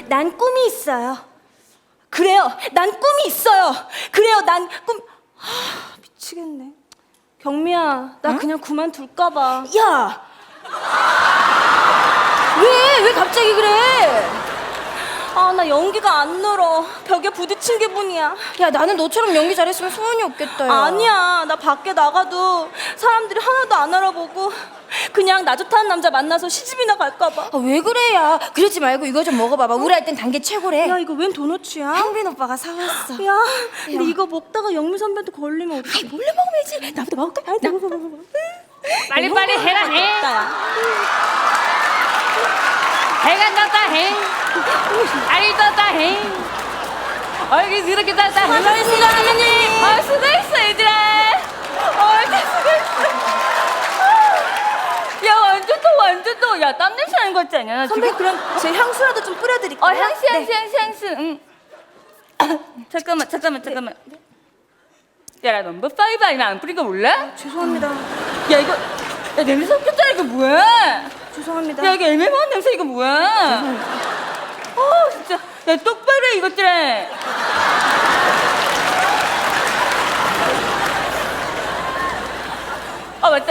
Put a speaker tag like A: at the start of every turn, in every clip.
A: 난 꿈이 있어요. 그래요, 난 꿈이 있어요. 그래요, 난 꿈... 미치겠네. 경미야, 나
B: 응?
A: 그냥 그만둘까봐.
B: 야! 왜 갑자기 그래?
A: 아, 나 연기가 안 늘어. 벽에 부딪힌 기분이야.
B: 야, 나는 너처럼 연기 잘했으면 소원이 없겠다. 야.
A: 아니야, 나 밖에 나가도 사람들이 하나도 안 알아보고 그냥 나 좋다는 남자 만나서 시집이나 갈까봐.
B: 아, 왜 그래, 야? 그러지 말고 이거 좀 먹어봐봐. 우리 할 땐 단 게 최고래.
A: 야, 이거 웬 도넛이야?
B: 한빈 오빠가 사왔어.
A: 야, 근데 이거 먹다가 영미 선배한테 걸리면 어떡해?
B: 몰래 먹어야지. 나부터 먹을까?
A: 나
C: 빨리빨리 해라 해. 해가 떴다 해. 알이 떴다 해. 얼굴 이렇게 떴다 해.
A: 수고하셨습니다, 선배님.
C: 수고했어 얘들아. 진짜 수고했어. 야 완전 또 야 땀 냄새 나는 거 같지 않냐? 나
A: 선배,
C: 지금?
A: 그럼 제 향수라도 좀 뿌려드릴게요.
C: 향수. 응. 잠깐만. 야, 나 넘버 5 아니면 안 뿌린 거 몰라?
A: 죄송합니다.
C: 야 이거 야 냄새 섞였잖아. 이거 뭐야?
A: 죄송합니다.
C: 야 이거 애매모호한 냄새 이거 뭐야? 진짜 야 똑바로 해 이것들아. 맞다.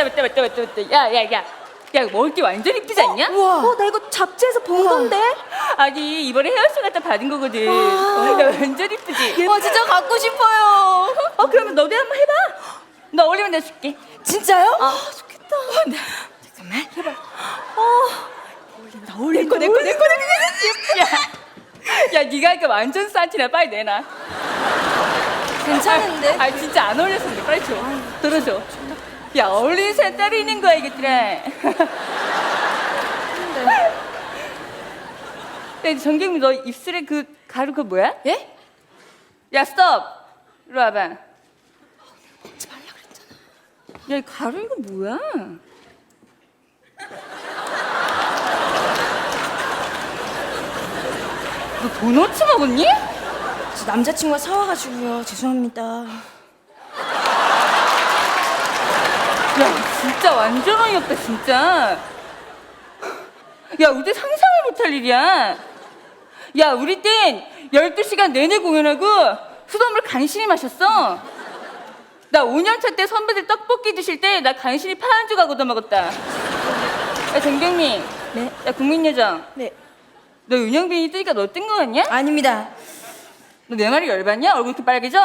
C: 야 이거 먹을 게 완전 이쁘지 않냐?
A: 나 이거 잡지에서 본 건데?
C: 아니 이번에 헤어스타일 갖다 받은 거거든. 야 완전 이쁘지?
B: 와, 진짜 갖고 싶어요.
C: 그러면 너도 한번 해봐. 너 어울리면 내가 줄게.
B: 진짜요?
A: 좋겠다.
B: 잠깐만. 해봐.
C: 내꺼. 야 네가 하니까 완전 싼티나 빨리 내놔.
B: 괜찮은데?
C: 진짜 안 어울렸는데 빨리 줘. 들어줘. 야 어울리는 사람 따로 있는 거야 이것들아. 야 정경미 너 입술에 그 가루 그거 뭐야?
B: 예?
C: 야 스톱. 이리 와봐. 먹지 말라 그랬잖아. 야 이 가루 이거 뭐야? 너 도넛 먹었니?
B: 저 남자친구가 사와가지고요. 죄송합니다.
C: 야 진짜 완전 어이없다 진짜. 야 우리 상상을 못할 일이야. 야 우리 땐 12시간 내내 공연하고 수돗물 간신히 마셨어. 나 5년차 때 선배들 떡볶이 드실 때 나 간신히 파 한 조각 얻어 먹었다. 야 정경미.
B: 네?
C: 야 국민여정.
B: 네.
C: 너 윤영빈이 뜨니까 너 뜬 거 같냐?
B: 아닙니다.
C: 너 내 말이 열받냐? 얼굴 이렇게 빨개져?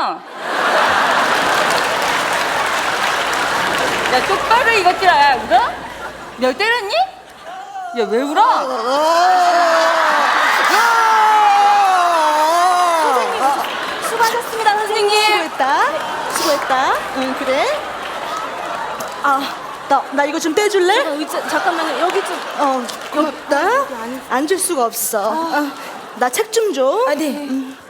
C: 야 똑바로 이것들아. 야 울어? 너 때렸니? 야 왜 울어?
A: 수고하셨습니다, 선생님.
D: 수고했다. 응, 그래? 나 이거 좀 떼줄래?
A: 의자, 잠깐만요. 여기 좀.
D: 고맙다. 앉을 수가 없어. 나 책 좀 줘.
B: 네.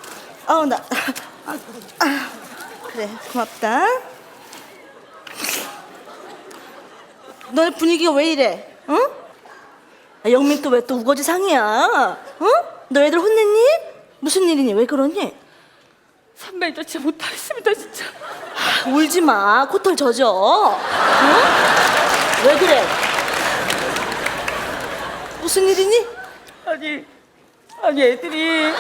D: 그래, 고맙다. 너네 분위기가 왜 이래? 응? 영민 또 왜 또 우거지 상이야? 응? 너 애들 혼냈니? 무슨 일이니? 왜 그러니?
C: 선배 저 진짜 못하겠습니다 진짜.
D: 울지 마. 코털 젖어. 응? 왜 그래? 무슨 일이니?
C: 아니 애들이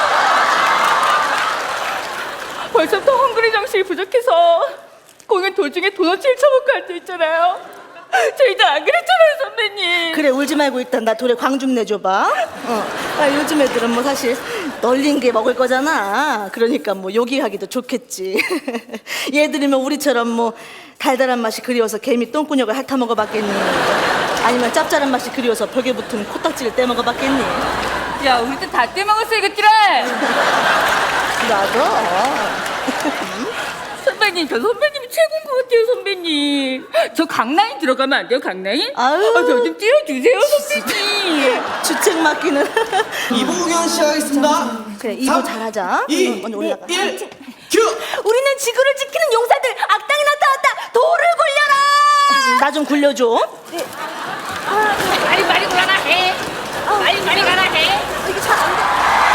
C: 벌써부터 헝그리 정신이 부족해서 공연 도중에 도넛을 처먹고 앉아있잖아요. 저희들 안 그랬잖아요 선배님.
D: 그래, 울지 말고 일단 나 돌에 광 좀 내줘봐. 요즘 애들은 뭐 사실 널린 게 먹을 거잖아. 그러니까 뭐 요기하기도 좋겠지. 얘들이면 우리처럼 뭐 달달한 맛이 그리워서 개미 똥꾸녕을 핥아 먹어봤겠니? 아니면 짭짤한 맛이 그리워서 벽에 붙은 코딱지를 떼 먹어봤겠니?
C: 야 우리 때 다 떼먹었어 이것들아.
D: 나도.
C: 선배님 저 선배님이 최고인 것 같아요 선배님. 저 강라인 들어가면 안 돼요 강라인?
D: 아유.
C: 저 좀 띄워주세요 선배님.
D: 주책 맡기는.
E: 2부 공연 시작하겠습니다.
D: 그래, 2부
E: 3,
D: 잘하자.
E: 2,
D: 먼저 올라가.
E: 1, 큐!
A: 우리는 지구를 지키는 용사들. 악당이 나타났다. 돌을 굴려라.
D: 나 좀 굴려줘.
C: 빨리 가라 해. 빨리 가라 해.
A: 이게 잘 안 돼.